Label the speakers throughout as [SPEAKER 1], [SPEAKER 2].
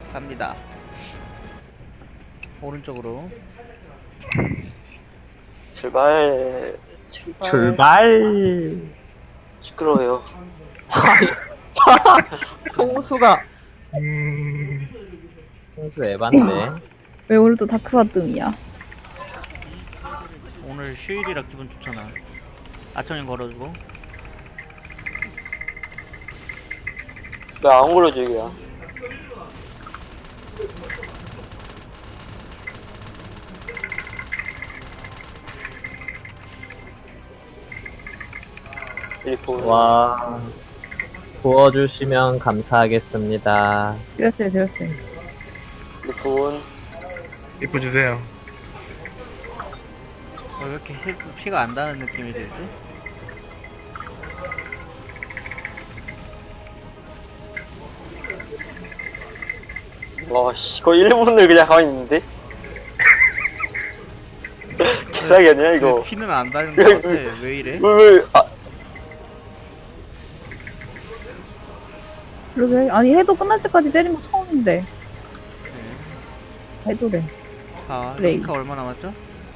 [SPEAKER 1] 갑니다. 오른쪽으로.
[SPEAKER 2] 출발.
[SPEAKER 3] 출발.
[SPEAKER 2] 시끄러워요.
[SPEAKER 3] 통수가 통수 에반데.
[SPEAKER 4] 왜 오늘도 다크바등이야?
[SPEAKER 1] 오늘 휴일이라 기분 좋잖아. 아청님 걸어주고.
[SPEAKER 2] 나 안 걸어줘, 이거야. 일본.
[SPEAKER 3] 와, 부어주시면 감사하겠습니다.
[SPEAKER 4] 드렸어요.
[SPEAKER 2] 일본.
[SPEAKER 5] 이뻐 주세요.
[SPEAKER 1] 왜 이렇게 피가 안 닿는 느낌이 들지?
[SPEAKER 2] 와, 씨, 거의 일본을 그냥 가만히 있는데? 개사기 아니야, 이거?
[SPEAKER 1] 왜 피는 안 닿는 것 같아. 왜 이래?
[SPEAKER 2] 아,
[SPEAKER 4] 그러게. 아니 해도 끝날 때까지 때린 거 처음인데.
[SPEAKER 1] 네.
[SPEAKER 4] 해도래.
[SPEAKER 1] 자,
[SPEAKER 4] 그래.
[SPEAKER 1] 링크가 얼마 남았죠?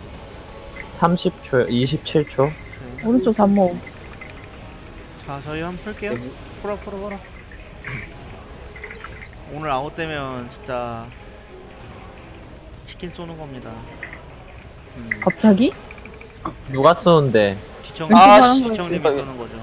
[SPEAKER 3] 30초, 27초.
[SPEAKER 1] 네.
[SPEAKER 4] 오른쪽 잠모.
[SPEAKER 1] 자, 저희 한번 풀게요. 풀어. 오늘 아웃되면 진짜 치킨 쏘는 겁니다.
[SPEAKER 4] 갑자기?
[SPEAKER 3] 누가 쏘는데?
[SPEAKER 1] 지청님,
[SPEAKER 2] 아,
[SPEAKER 4] 씨.
[SPEAKER 1] 지청님이 쏘는 거죠.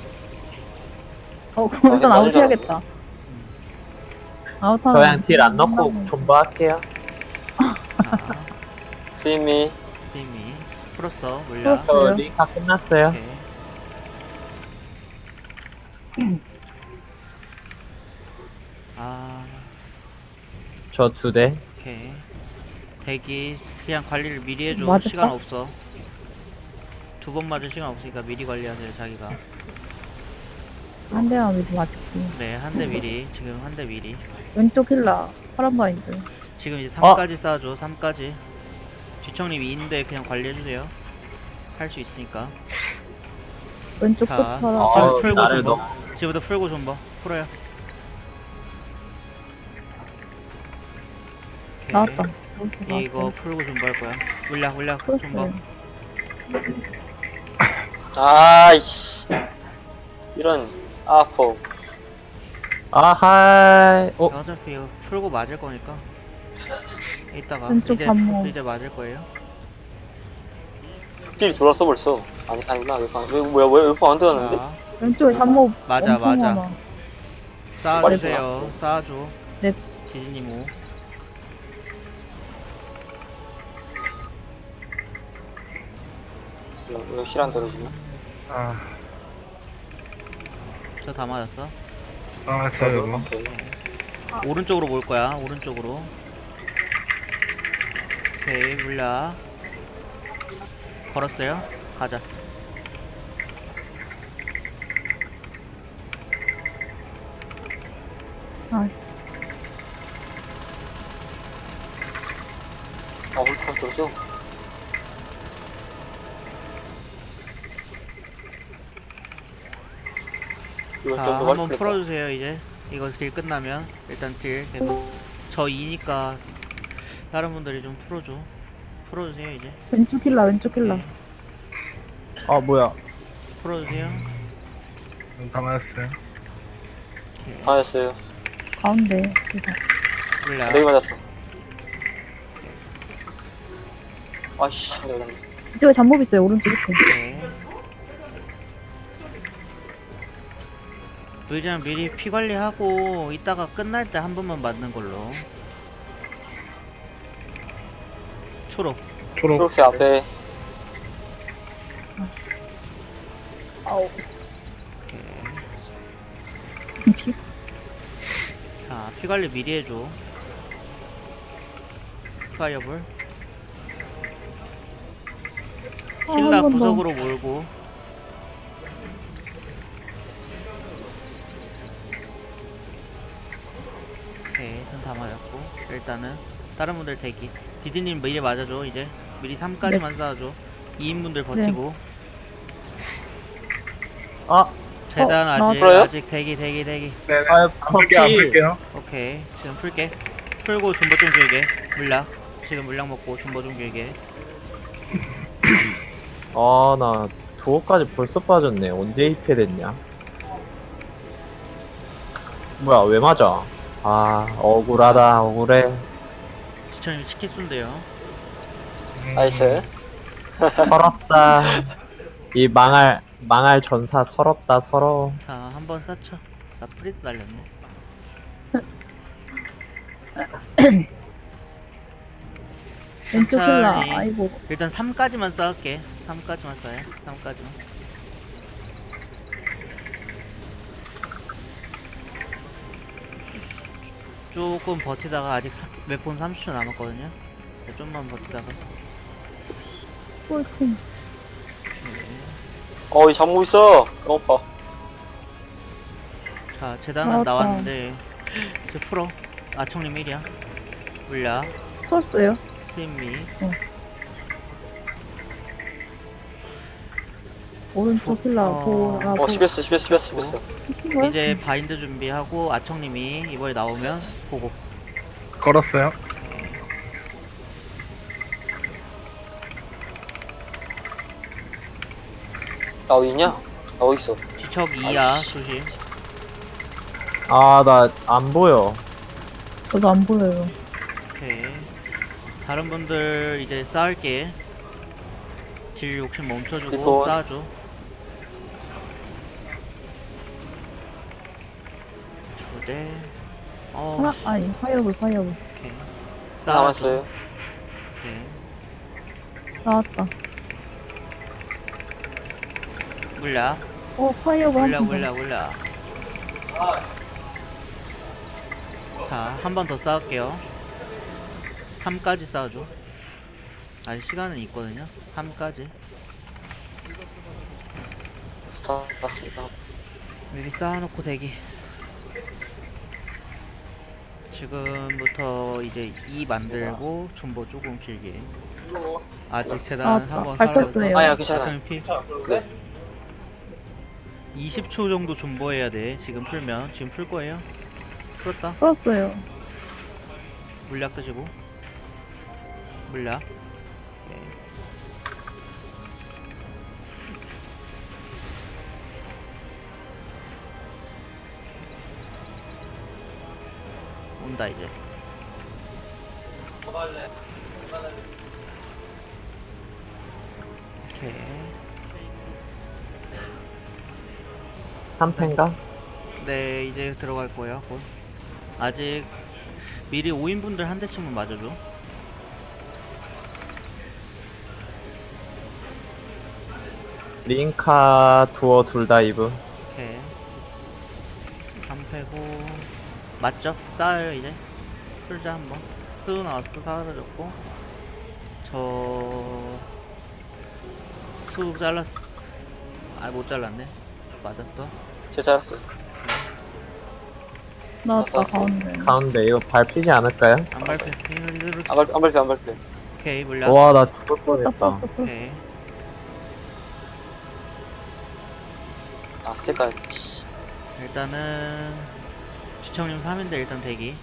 [SPEAKER 4] 그럼 일단
[SPEAKER 2] 아,
[SPEAKER 4] 아웃해야겠다. 아웃하면.
[SPEAKER 3] 저양 딜 안 넣고 존버할게요.
[SPEAKER 1] 자,
[SPEAKER 2] 스이미.
[SPEAKER 1] 팀이 풀었어. 물려.
[SPEAKER 4] 풀었어.
[SPEAKER 3] 저
[SPEAKER 4] 그래요?
[SPEAKER 3] 링카 끝났어요.
[SPEAKER 1] 오케이. 아,
[SPEAKER 3] 저 2대.
[SPEAKER 1] 오케이. 대기 그냥 관리를 미리 해줘.
[SPEAKER 4] 맞을까?
[SPEAKER 1] 시간 없어. 2번 맞을 시간 없으니까 미리 관리하세요. 자기가.
[SPEAKER 4] 한 대만 미리 맞을게.
[SPEAKER 1] 네, 한 대 미리. 지금 한 대 미리.
[SPEAKER 4] 왼쪽 힐라. 파란 바인드.
[SPEAKER 1] 지금 이제 3까지 쌓아줘. 3까지. 지청님 2인데 그냥 관리해주세요. 할 수 있으니까.
[SPEAKER 4] 왼쪽
[SPEAKER 1] 자.
[SPEAKER 4] 끝 파란.
[SPEAKER 3] 어,
[SPEAKER 1] 풀고
[SPEAKER 3] 나를
[SPEAKER 1] 좀
[SPEAKER 3] 넣
[SPEAKER 1] 봐. 지금부터 풀고 좀 봐. 풀어요. 오케이.
[SPEAKER 4] 나왔다. 오른쪽
[SPEAKER 1] 이거
[SPEAKER 4] 나왔다.
[SPEAKER 1] 풀고 좀 봐 할 거야. 물량 좀 봐.
[SPEAKER 4] 풀었어요.
[SPEAKER 2] 아이씨. 이런, 아퍼.
[SPEAKER 3] 아하이.
[SPEAKER 1] 어차피 이거 풀고 맞을 거니까. 이따가
[SPEAKER 4] 왼쪽 반모.
[SPEAKER 1] 이제 맞을 거예요.
[SPEAKER 2] 딜 돌았어, 벌써. 아니구나. 왜안 들어갔는데?
[SPEAKER 1] 자,
[SPEAKER 4] 왼쪽에 잠모.
[SPEAKER 1] 맞아,
[SPEAKER 4] 엄청
[SPEAKER 1] 맞아.
[SPEAKER 4] 많아.
[SPEAKER 1] 쌓아주세요. 쌓아줘.
[SPEAKER 4] 네.
[SPEAKER 1] 지진님 오.
[SPEAKER 2] 왜 실안 들어주나?
[SPEAKER 5] 아,
[SPEAKER 1] 저 다 맞았어.
[SPEAKER 5] 알았어요. 이거.
[SPEAKER 2] 오케이.
[SPEAKER 1] 오른쪽으로 몰 거야. 오른쪽으로. 오케이, 물량. 걸었어요. 가자.
[SPEAKER 4] 아,
[SPEAKER 2] 홀카 들어줘. 이거
[SPEAKER 1] 자,
[SPEAKER 2] 좀더
[SPEAKER 1] 한번
[SPEAKER 2] 맛있겠다.
[SPEAKER 1] 풀어주세요. 이제 이거 딜 끝나면 일단 딜 계속. 저 2니까 다른 분들이 좀 풀어주세요. 이제.
[SPEAKER 4] 왼쪽 힐라.
[SPEAKER 1] 네.
[SPEAKER 3] 아, 뭐야.
[SPEAKER 1] 풀어주세요.
[SPEAKER 5] 다 맞았어요.
[SPEAKER 1] 오케이.
[SPEAKER 2] 맞았어요.
[SPEAKER 4] 가운데. 그래서.
[SPEAKER 1] 물량.
[SPEAKER 2] 내게 맞았어. 아씨, 내가
[SPEAKER 4] 이쪽에 잠모 있어요. 오른쪽 끝에.
[SPEAKER 1] 네. 의장 미리 피 관리하고 이따가 끝날 때 한 번만 맞는 걸로. 초록.
[SPEAKER 5] 초록.
[SPEAKER 2] 초록색 앞에.
[SPEAKER 4] 아우.
[SPEAKER 1] 오케이. 자, 피 관리 미리 해줘. 파이어볼. 힐라
[SPEAKER 4] 한 번 더.
[SPEAKER 1] 구석으로 몰고. 오케이, 전 다 맞았고. 일단은 다른 분들 대기. 디디님 미리 맞아줘. 이제 미리 3까지만 쌓아줘. 2인분들 버티고.
[SPEAKER 3] 아,
[SPEAKER 1] 재단
[SPEAKER 4] 어,
[SPEAKER 1] 아직
[SPEAKER 2] 풀어요?
[SPEAKER 1] 아직 대기.
[SPEAKER 5] 네,
[SPEAKER 3] 아유,
[SPEAKER 5] 안 풀게요. 안
[SPEAKER 3] 커피.
[SPEAKER 5] 풀게요.
[SPEAKER 1] 오케이, 지금 풀게. 풀고 존버 좀 길게. 물약. 지금 물약 먹고 존버 좀 길게.
[SPEAKER 3] 나 두호까지 벌써 빠졌네. 언제 입회됐냐? 뭐야, 왜 맞아? 억울하다, 억울해.
[SPEAKER 1] 지천님 치킨 쏜대요.
[SPEAKER 2] 나이스.
[SPEAKER 3] 서럽다. 이 망할 전사 서럽다, 서러워.
[SPEAKER 1] 자, 한번 쌓쳐. 나 프리드 날렸네.
[SPEAKER 4] 왼쪽 힐라.
[SPEAKER 1] 천천히.
[SPEAKER 4] 아이고.
[SPEAKER 1] 일단 3까지만 쌓을게. 3까지만 쌓아요. 3까지만. 조금 버티다가 아직 웹폰 30초 남았거든요. 네, 좀만 버티다가.
[SPEAKER 4] 꼴통.
[SPEAKER 1] 네.
[SPEAKER 2] 이 잠고 있어. 너무 아파.
[SPEAKER 1] 자, 재단은
[SPEAKER 4] 나왔다.
[SPEAKER 1] 나왔는데 이제 풀어. 아청님 1이야. 물약,
[SPEAKER 4] 풀었어요.
[SPEAKER 1] 스미.
[SPEAKER 4] 오른쪽 힐라. 보라.
[SPEAKER 2] 씹혔어. 씹혔어.
[SPEAKER 1] 이제 바인드 준비하고 아청님이 이번에 나오면 보고.
[SPEAKER 5] 걸었어요.
[SPEAKER 2] 나 어디 있냐? 나 어디 있어?
[SPEAKER 1] 지척 2야.
[SPEAKER 2] 아이씨.
[SPEAKER 1] 조심.
[SPEAKER 3] 나 안 보여.
[SPEAKER 4] 저도 안 보여요.
[SPEAKER 1] 오케이. 다른 분들 이제 쌓을게. 딜 욕심 멈춰주고
[SPEAKER 2] 리본.
[SPEAKER 1] 쌓아줘. 초대.
[SPEAKER 4] 하나, 아니, 파이어볼.
[SPEAKER 1] 오케이.
[SPEAKER 2] 남았어요.
[SPEAKER 1] 오케이.
[SPEAKER 4] 나왔다.
[SPEAKER 1] 물약.
[SPEAKER 4] 파이어볼 한
[SPEAKER 1] 물약.
[SPEAKER 4] 번.
[SPEAKER 1] 자, 한 번 더 쌓을게요. 3까지 쌓아줘. 아직 시간은 있거든요. 3까지.
[SPEAKER 2] 쌓았습니다.
[SPEAKER 1] 미리 쌓아놓고 대기. 지금부터 이제 2 만들고 존버 조금 길게. 아직 재단
[SPEAKER 4] 나왔다.
[SPEAKER 1] 한번
[SPEAKER 4] 밟혔어요.
[SPEAKER 2] 아니야, 괜찮아.
[SPEAKER 1] 피.
[SPEAKER 2] 네.
[SPEAKER 1] 20초 정도 존버해야 돼. 지금 풀면. 지금 풀 거예요. 풀었다.
[SPEAKER 4] 풀었어요.
[SPEAKER 1] 물약 드시고. 물약. 오케이. 온다 이제. 오케이.
[SPEAKER 3] 3패인가?
[SPEAKER 1] 네, 이제 들어갈 거예요. 곧. 아직 미리 5인분들 한 대씩만 맞아줘.
[SPEAKER 3] 링카, 두어 둘 다 이브.
[SPEAKER 1] 오케이. 3패고 맞죠? 쌓아요 이제. 풀자 한번. 스우 나왔어. 사라졌고. 수 잘랐어. 못 잘랐네. 맞았어.
[SPEAKER 2] 제 잘했어요.
[SPEAKER 4] 나왔다,
[SPEAKER 2] 나왔어.
[SPEAKER 4] 가운데.
[SPEAKER 3] 가운데 이거 밟히지 않을까요?
[SPEAKER 1] 안 밟혔어.
[SPEAKER 2] 안 밟혀.
[SPEAKER 1] 오케이, 물량.
[SPEAKER 3] 와, 나 죽을
[SPEAKER 4] 풀었다,
[SPEAKER 3] 뻔했다.
[SPEAKER 4] 풀었어.
[SPEAKER 1] 오케이.
[SPEAKER 2] 색깔.
[SPEAKER 1] 일단은 시청님 3인데 일단 대기.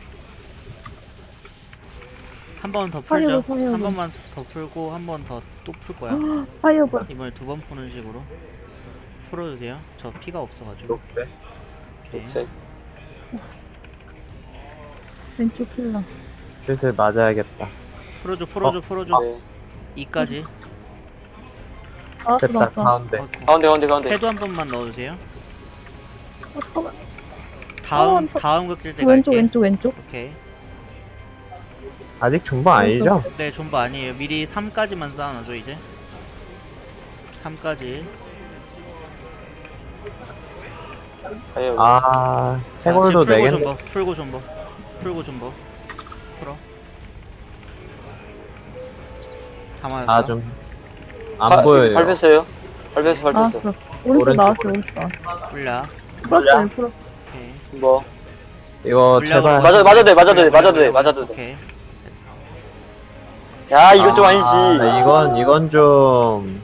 [SPEAKER 1] 한 번 더 풀죠.
[SPEAKER 4] 파이어볼.
[SPEAKER 1] 한 번만 더 풀고 한 번 더 또 풀 거야.
[SPEAKER 4] 파이어볼.
[SPEAKER 1] 이번에 2번 푸는 식으로 풀어주세요. 저 피가 없어가지고.
[SPEAKER 3] 녹색.
[SPEAKER 1] 오케이.
[SPEAKER 2] 녹색.
[SPEAKER 4] 왼쪽 힐라.
[SPEAKER 3] 슬슬 맞아야겠다.
[SPEAKER 1] 풀어줘.
[SPEAKER 2] 네.
[SPEAKER 1] 2까지.
[SPEAKER 4] 나왔어,
[SPEAKER 3] 됐다,
[SPEAKER 4] 나왔어.
[SPEAKER 3] 가운데.
[SPEAKER 2] 가운데.
[SPEAKER 1] 해도 한 번만 넣어주세요.
[SPEAKER 4] 잠깐만.
[SPEAKER 1] 다음 극질 때
[SPEAKER 4] 왼쪽,
[SPEAKER 1] 갈게.
[SPEAKER 4] 왼쪽.
[SPEAKER 1] 오케이.
[SPEAKER 3] 아직 중반 아니죠?
[SPEAKER 1] 네, 존버 아니에요. 미리 3까지만 쌓아놔줘 이제. 3까지.
[SPEAKER 3] 해골도
[SPEAKER 1] 풀고
[SPEAKER 3] 4개.
[SPEAKER 1] 존버. 풀고 존버. 풀어. 다 맞았어.
[SPEAKER 3] 좀, 안 보여요.
[SPEAKER 2] 밟혔어요. 밟혔어.
[SPEAKER 4] 나왔어. 오른쪽 나왔어, 오른쪽 나왔어.
[SPEAKER 1] 물약.
[SPEAKER 4] 풀었어요, 풀었어.
[SPEAKER 1] 오케이.
[SPEAKER 2] 뭐.
[SPEAKER 3] 이거
[SPEAKER 1] 물량으로
[SPEAKER 3] 제발.
[SPEAKER 2] 맞아도 돼.
[SPEAKER 1] 오케이.
[SPEAKER 2] 야, 이건 좀 아니지.
[SPEAKER 3] 이건 좀.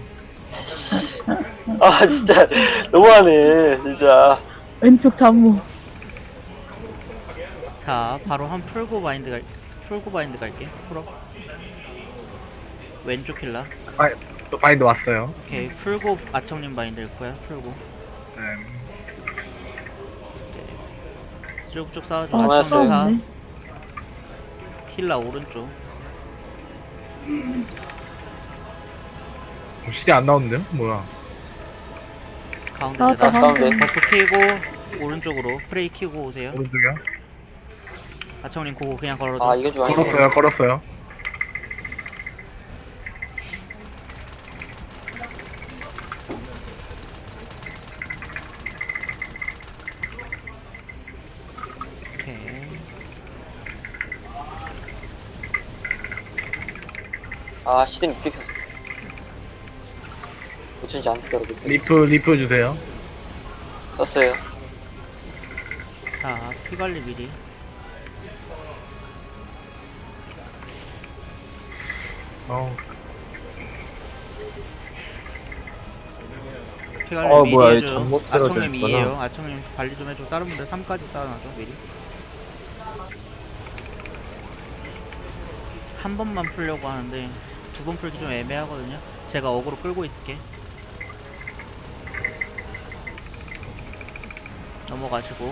[SPEAKER 2] 진짜. 너무하네, 진짜.
[SPEAKER 4] 왼쪽 잠무.
[SPEAKER 1] 자, 바로 한 풀고 바인드 갈게. 풀어. 왼쪽 힐라.
[SPEAKER 5] 또 바인드 왔어요.
[SPEAKER 1] 오케이, 풀고 아청님 바인드 일 거야. 풀고.
[SPEAKER 5] 네.
[SPEAKER 1] 쭉쭉 쌓아줘.
[SPEAKER 2] 아,
[SPEAKER 1] 아청님 사.
[SPEAKER 4] 싸웠네.
[SPEAKER 1] 힐라 오른쪽.
[SPEAKER 5] 실이 안 나오는데요? 뭐야?
[SPEAKER 1] 가운데
[SPEAKER 4] 나왔다,
[SPEAKER 1] 내다.
[SPEAKER 2] 가운데.
[SPEAKER 1] 버프 키고 오른쪽으로 프레이 키고 오세요.
[SPEAKER 5] 오른쪽이요?
[SPEAKER 1] 아청님 고고 그냥 걸어줘.
[SPEAKER 2] 아 이게 좀 아니네.
[SPEAKER 5] 걸었어요.
[SPEAKER 1] 오케이.
[SPEAKER 2] 아 시댕 늦게 켰어. 고쳐지지 않겠더라고.
[SPEAKER 5] 리프 주세요.
[SPEAKER 2] 썼어요.
[SPEAKER 1] 자, 피 관리 미리. 피 관리 미리
[SPEAKER 3] 뭐야,
[SPEAKER 1] 해줘.
[SPEAKER 3] 잠못 들어져
[SPEAKER 1] 아청님
[SPEAKER 3] 있구나.
[SPEAKER 1] 2에요. 아청님 관리 좀 해줘. 다른 분들 3까지 쌓아놔줘 미리. 한 번만 풀려고 하는데 두 번 풀기 좀 애매하거든요. 제가 어그로 끌고 있을게. 넘어가시고.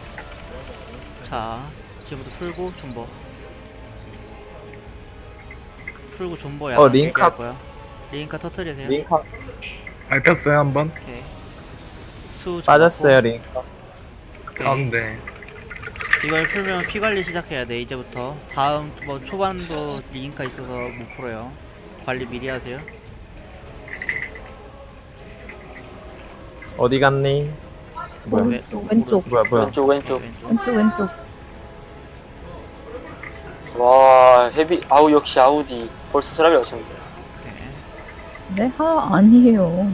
[SPEAKER 1] 자, 지금부터 풀고 존버. 풀고 존버야.
[SPEAKER 3] 링카.
[SPEAKER 1] 거야. 링카 터트리세요.
[SPEAKER 3] 링카
[SPEAKER 5] 밟혔어요 한번.
[SPEAKER 1] 오케이. 수
[SPEAKER 3] 빠졌어요,
[SPEAKER 1] 잡았고.
[SPEAKER 3] 링카.
[SPEAKER 1] 오케이.
[SPEAKER 5] 가운데.
[SPEAKER 1] 이걸 풀면 피 관리 시작해야 돼 이제부터. 다음 뭐 초반도 링카 있어서 못 풀어요. 관리 미리 하세요.
[SPEAKER 3] 어디 갔니? 뭐야?
[SPEAKER 4] 왼쪽.
[SPEAKER 3] 뭐야.
[SPEAKER 2] 왼쪽.
[SPEAKER 4] 왼쪽.
[SPEAKER 2] 와 헤비. 아우 역시 아우디. 벌써 트라벨 오셨네.
[SPEAKER 1] 오케이.
[SPEAKER 4] 네? 아니에요.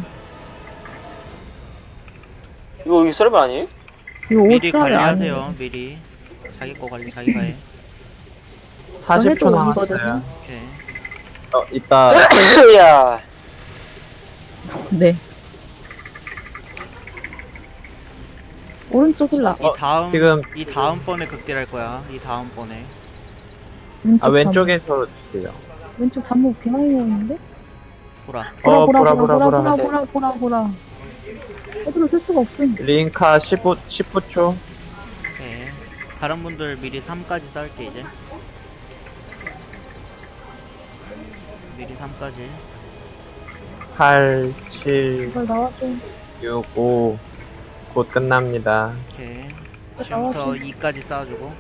[SPEAKER 2] 이거 트라벨 아니에요?
[SPEAKER 4] 이거
[SPEAKER 1] 미리
[SPEAKER 4] 옷살이
[SPEAKER 1] 관리하세요.
[SPEAKER 4] 아니에요.
[SPEAKER 1] 미리 자기 거 관리 자기가 해.
[SPEAKER 3] 40초
[SPEAKER 4] 원이거든요.
[SPEAKER 3] 남았어요.
[SPEAKER 1] 오케이.
[SPEAKER 3] 이따
[SPEAKER 2] 야.
[SPEAKER 4] 네. 오른쪽 힐라.
[SPEAKER 1] 이 다음번에 극딜 할 거야. 이 다음번에.
[SPEAKER 3] 왼쪽에서 주세요.
[SPEAKER 4] 왼쪽 잠복 비하이어인데?
[SPEAKER 1] 보라.
[SPEAKER 4] 보라. 어디로 쓸 수가 없음.
[SPEAKER 3] 링카 19초.
[SPEAKER 1] 오케이. 다른 분들 미리 3까지 쌓을게 이제. 미리 3까지.
[SPEAKER 3] 8, 7,
[SPEAKER 4] 이걸 나와줘.
[SPEAKER 3] 6, 5. 곧 끝납니다.
[SPEAKER 1] 오케이.
[SPEAKER 4] 나와줘.
[SPEAKER 1] 지금부터 2까지 쌓아주고.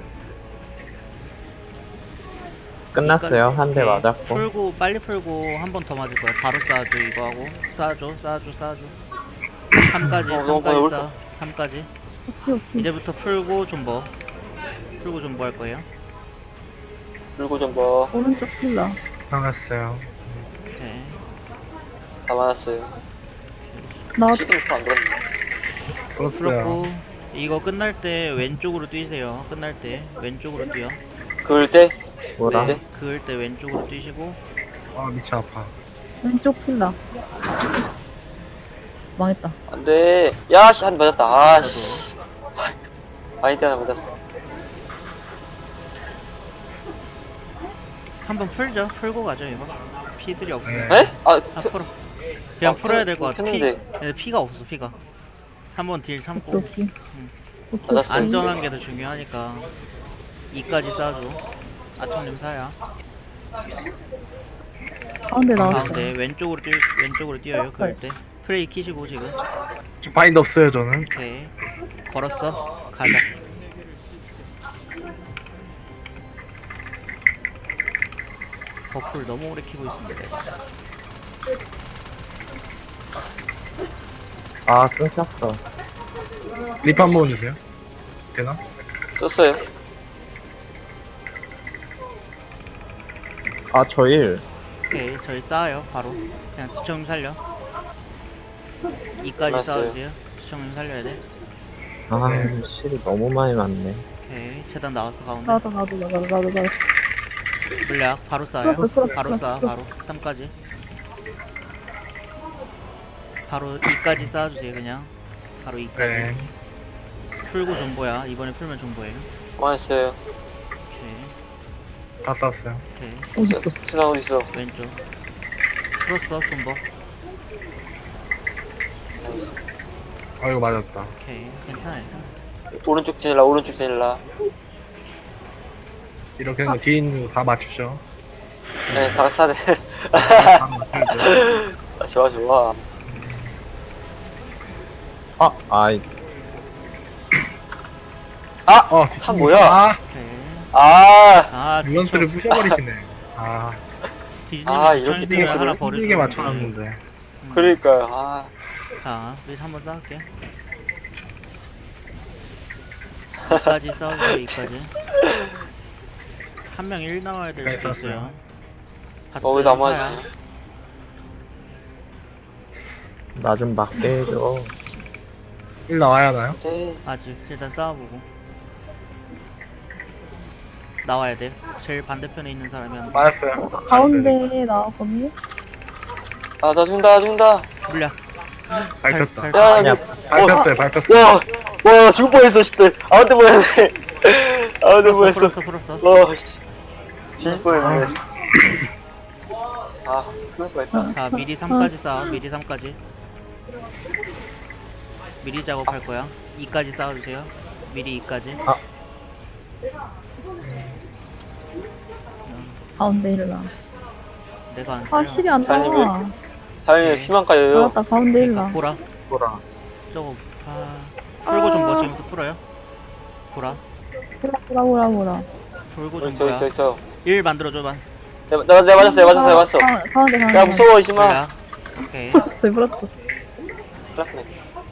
[SPEAKER 3] 끝났어요. 한 대
[SPEAKER 1] 오케이.
[SPEAKER 3] 맞았고.
[SPEAKER 1] 풀고 빨리 풀고 한 번 더 맞을 거야. 바로 쌓아줘 이거 하고. 쌓아줘. 3까지.
[SPEAKER 2] 너무 어려울
[SPEAKER 1] 3까지 쌓아. 3까지.
[SPEAKER 4] 오케이.
[SPEAKER 1] 이제부터 풀고 존버. 풀고 존버 할 거예요.
[SPEAKER 2] 풀고 좀 뭐.
[SPEAKER 4] 오른쪽 힐라.
[SPEAKER 5] 나갔어요.
[SPEAKER 1] 오케이.
[SPEAKER 2] 다 맞았어요.
[SPEAKER 4] 나
[SPEAKER 2] 시댕 안 들었네.
[SPEAKER 5] 풀었어요.
[SPEAKER 1] 풀었고 이거 끝날 때 왼쪽으로 뛰세요. 끝날 때 왼쪽으로 뛰어.
[SPEAKER 2] 그을 때.
[SPEAKER 3] 뭐라?
[SPEAKER 2] 네.
[SPEAKER 1] 그을 때 왼쪽으로 뛰시고.
[SPEAKER 5] 아 미쳐 아파.
[SPEAKER 4] 왼쪽 힐라. 망했다.
[SPEAKER 2] 안돼. 야씨 한 맞았다. 아씨. 바인드 하나 맞았어.
[SPEAKER 1] 한번 풀죠. 풀고 가죠 이거. 피들이 없어.
[SPEAKER 5] 네.
[SPEAKER 2] 에? 아
[SPEAKER 1] 풀어. 그냥 풀어야 될 것 같아.
[SPEAKER 2] 켰는데.
[SPEAKER 1] 피가 없어 피가. 한번 딜 참고.
[SPEAKER 4] 오케이.
[SPEAKER 2] 맞았어요.
[SPEAKER 1] 안전한 게 더 중요하니까 2까지 쌓아줘. 아청님 사야.
[SPEAKER 4] 가운데 나왔어.
[SPEAKER 1] 가운데 왼쪽으로 뛰어요. 그럴 때 프레이 키시고 지금.
[SPEAKER 5] 저 바인드 없어요 저는.
[SPEAKER 1] 오케이. 걸었어. 가자. 버프를 너무 오래 키고 있습니다.
[SPEAKER 3] 아, 끊겼어.
[SPEAKER 5] 리프 한 번 주세요. 되나?
[SPEAKER 2] 썼어요.
[SPEAKER 3] 아, 저 일.
[SPEAKER 1] 오케이. 저희 쌓아요. 바로. 그냥 지청님 살려. 2까지
[SPEAKER 2] 알았어요.
[SPEAKER 1] 쌓아주세요. 지청님 살려야 돼.
[SPEAKER 3] 아,
[SPEAKER 5] 네.
[SPEAKER 3] 실이 너무 많이 맞네.
[SPEAKER 1] 오케이. 재단 나왔어 가운데.
[SPEAKER 4] 나도.
[SPEAKER 1] 물약 바로 쌓아요.
[SPEAKER 4] 풀었어.
[SPEAKER 1] 바로 쌓아. 바로 3까지. 바로 2까지 쌓아주세요 그냥. 바로 2까지.
[SPEAKER 5] 네.
[SPEAKER 1] 풀고 존버야. 이번에 풀면 존버예요.
[SPEAKER 2] 망했어요.
[SPEAKER 1] 오케이.
[SPEAKER 5] 다 쌌어요.
[SPEAKER 1] 오케이.
[SPEAKER 4] 어딨어?
[SPEAKER 2] 세상 어딨어?
[SPEAKER 1] 왼쪽. 풀었어, 존버.
[SPEAKER 5] 아이고 맞았다.
[SPEAKER 1] 오케이. 괜찮아, 괜찮아.
[SPEAKER 2] 오른쪽 지닐라, 오른쪽 지닐라.
[SPEAKER 5] 이렇게 하면 뒤에 있는 거 다 맞추죠.
[SPEAKER 2] 네, 다 사네.
[SPEAKER 5] 다 맞추죠.
[SPEAKER 2] 아, 좋아, 좋아.
[SPEAKER 3] 아이,
[SPEAKER 5] 어,
[SPEAKER 2] 참 뭐야?
[SPEAKER 5] 아,
[SPEAKER 1] 오케이.
[SPEAKER 2] 아,
[SPEAKER 1] 아,
[SPEAKER 5] 밸런스를 부셔버리시네. 아,
[SPEAKER 1] 디즈니
[SPEAKER 2] 아, 이렇게
[SPEAKER 1] 디즈니
[SPEAKER 2] 띵을
[SPEAKER 1] 하나
[SPEAKER 5] 힘들게
[SPEAKER 1] 버리고.
[SPEAKER 5] 맞춰놨는데.
[SPEAKER 2] 그러니까요. 아,
[SPEAKER 1] 자, 우리 한번 싸울게. 2까지 싸우세요, 2까지. 한 명 1 나와야 될
[SPEAKER 5] 네,
[SPEAKER 1] 수 있어요.
[SPEAKER 5] 쌌어요.
[SPEAKER 2] 왜 남아있지?
[SPEAKER 3] 나 좀 맞게 해줘.
[SPEAKER 5] 1 나와야 하나요?
[SPEAKER 2] 네.
[SPEAKER 1] 아직 일단 싸워보고. 나와야 돼. 제일 반대편에 있는 사람이 한 번.
[SPEAKER 5] 맞았어요.
[SPEAKER 4] 가운데 나왔거든요?
[SPEAKER 2] 아, 나 죽는다, 죽는다.
[SPEAKER 1] 물약.
[SPEAKER 5] 밟혔다.
[SPEAKER 2] 야,
[SPEAKER 3] 아니야.
[SPEAKER 2] 여기.
[SPEAKER 5] 밟혔어요, 밟혔어요.
[SPEAKER 2] 와, 와, 죽을 뻔했어, 진짜. 아무튼 뭐였네. 아무튼 뭐였어.
[SPEAKER 1] 풀었어.
[SPEAKER 2] 와, 씨. 뒤질 뻔했네. 아, 죽을 뻔했다.
[SPEAKER 1] 자, 미리 3까지 싸워. 미리 3까지. 미리 작업할 거야. 2까지 싸워주세요. 미리 2까지.
[SPEAKER 4] 가운데 일라.
[SPEAKER 1] 내가 안
[SPEAKER 4] 아,
[SPEAKER 1] 살려.
[SPEAKER 4] 실이 안
[SPEAKER 2] 사장님,
[SPEAKER 4] 나와.
[SPEAKER 2] 사장님, 피만 까요.
[SPEAKER 4] 나왔다, 가운데 일라.
[SPEAKER 1] 보라.
[SPEAKER 3] 보라.
[SPEAKER 1] 저거, 풀고 좀 멋지면서 풀어요. 보라.
[SPEAKER 4] 보라.
[SPEAKER 1] 돌고 좀
[SPEAKER 2] 있어,
[SPEAKER 1] 뭐야.
[SPEAKER 2] 있어, 있어.
[SPEAKER 1] 1 만들어줘봐.
[SPEAKER 2] 내가 맞았어.
[SPEAKER 4] 가운데.
[SPEAKER 2] 야, 무서워, 이씨마.
[SPEAKER 1] 물약. 오케이.
[SPEAKER 4] 불었어.
[SPEAKER 2] 플라스네.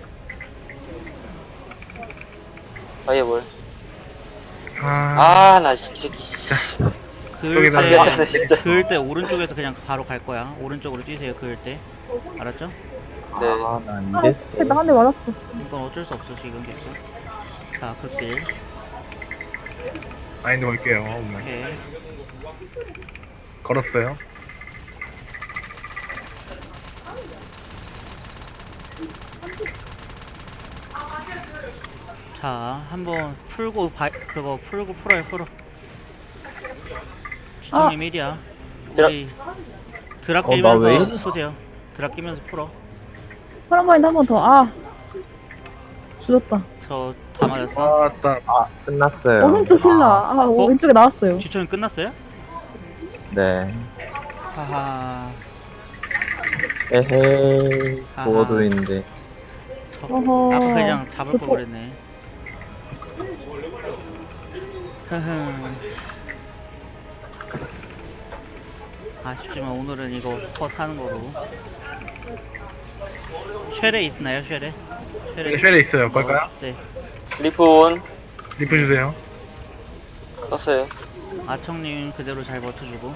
[SPEAKER 2] 아얘 뭘?
[SPEAKER 5] 아,
[SPEAKER 2] 아, 나 이 새끼. 씨.
[SPEAKER 1] 그을
[SPEAKER 5] 속에다
[SPEAKER 2] 아,
[SPEAKER 1] 때,
[SPEAKER 2] 미안하네, 진짜.
[SPEAKER 1] 그을 때 오른쪽에서 그냥 바로 갈 거야. 오른쪽으로 뛰세요, 그을 때. 알았죠?
[SPEAKER 2] 네.
[SPEAKER 3] 아, 나 이랬어.
[SPEAKER 4] 나 한 대 맞았어.
[SPEAKER 1] 이건 어쩔 수 없어, 지금 계속. 자, 극딜.
[SPEAKER 5] 마인드 걸게요. 오늘.
[SPEAKER 1] 오케이.
[SPEAKER 5] 걸었어요.
[SPEAKER 1] 자, 한번 풀고, 그거 풀고 풀어. 시청님 1이야. 우리 드랍
[SPEAKER 3] 나 왜
[SPEAKER 1] 끼면서
[SPEAKER 3] 이래?
[SPEAKER 1] 푸세요. 드랍 끼면서 풀어.
[SPEAKER 4] 파란바인드 한 번 더. 아. 죽었다.
[SPEAKER 1] 저 다 맞았어.
[SPEAKER 5] 아따.
[SPEAKER 3] 끝났어요.
[SPEAKER 4] 오른쪽 힐라. 아, 왼쪽에 나왔어요.
[SPEAKER 1] 시청님 끝났어요?
[SPEAKER 3] 네.
[SPEAKER 1] 하하.
[SPEAKER 3] 에헤이.
[SPEAKER 1] 아하.
[SPEAKER 3] 보어도인데.
[SPEAKER 4] 어허.
[SPEAKER 1] 아까 그냥 잡을 걸
[SPEAKER 4] 그거-
[SPEAKER 1] 그랬네. 흐흠. 아쉽지만 오늘은 이거 컷 하는 거로. 쉐레 있나요, 쉐레?
[SPEAKER 5] 네, 쉘에 있어요. 걸까요?
[SPEAKER 1] 네.
[SPEAKER 2] 리프 온.
[SPEAKER 5] 리프 주세요.
[SPEAKER 2] 썼어요.
[SPEAKER 1] 아청님 그대로 잘 버텨주고.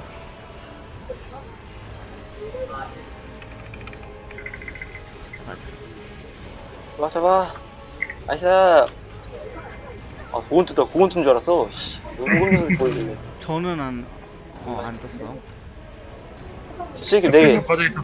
[SPEAKER 2] 잡아. 나이스. 아, 고군 뜬다. 고군 뜬줄 알았어. 씨. 고군 뜬 보이길래.
[SPEAKER 1] 저는 안 떴어.
[SPEAKER 2] 이 새끼 네 개.
[SPEAKER 5] 꺼져 있었어.